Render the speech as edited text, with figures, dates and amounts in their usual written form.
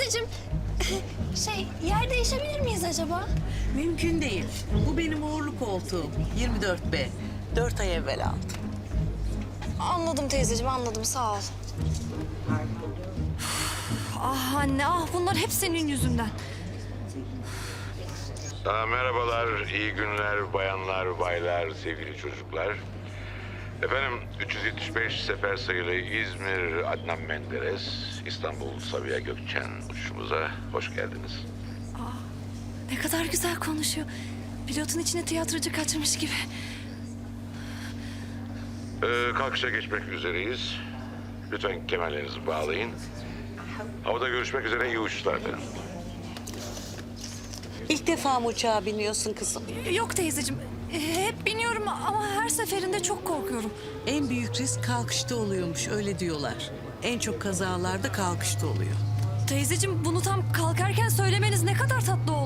Teyzeciğim, yer değişebilir miyiz acaba? Mümkün değil. Bu benim uğurlu koltuğum. 24B. 4 ay evvel aldım. Anladım teyzeciğim, anladım. Sağ ol. Ah anne, ah bunlar hep senin yüzünden. Merhabalar, iyi günler bayanlar, baylar, sevgili çocuklar. Efendim 375 sefer sayılı İzmir Adnan Menderes, İstanbul Sabiha Gökçen uçuşumuza hoş geldiniz. Ne kadar güzel konuşuyor. Pilotun içine tiyatrocu kaçırmış gibi. Kalkışa geçmek üzereyiz. Lütfen kemerlerinizi bağlayın. Havada görüşmek üzere, iyi uçuşlar efendim. İlk defa mı uçağa biniyorsun kızım? Yok teyzeciğim, hep biniyorum ama her seferinde çok korkuyorum. En büyük risk kalkışta oluyormuş, öyle diyorlar. En çok kazalarda kalkışta oluyor. Teyzeciğim bunu tam kalkarken söylemeniz ne kadar tatlı oldu.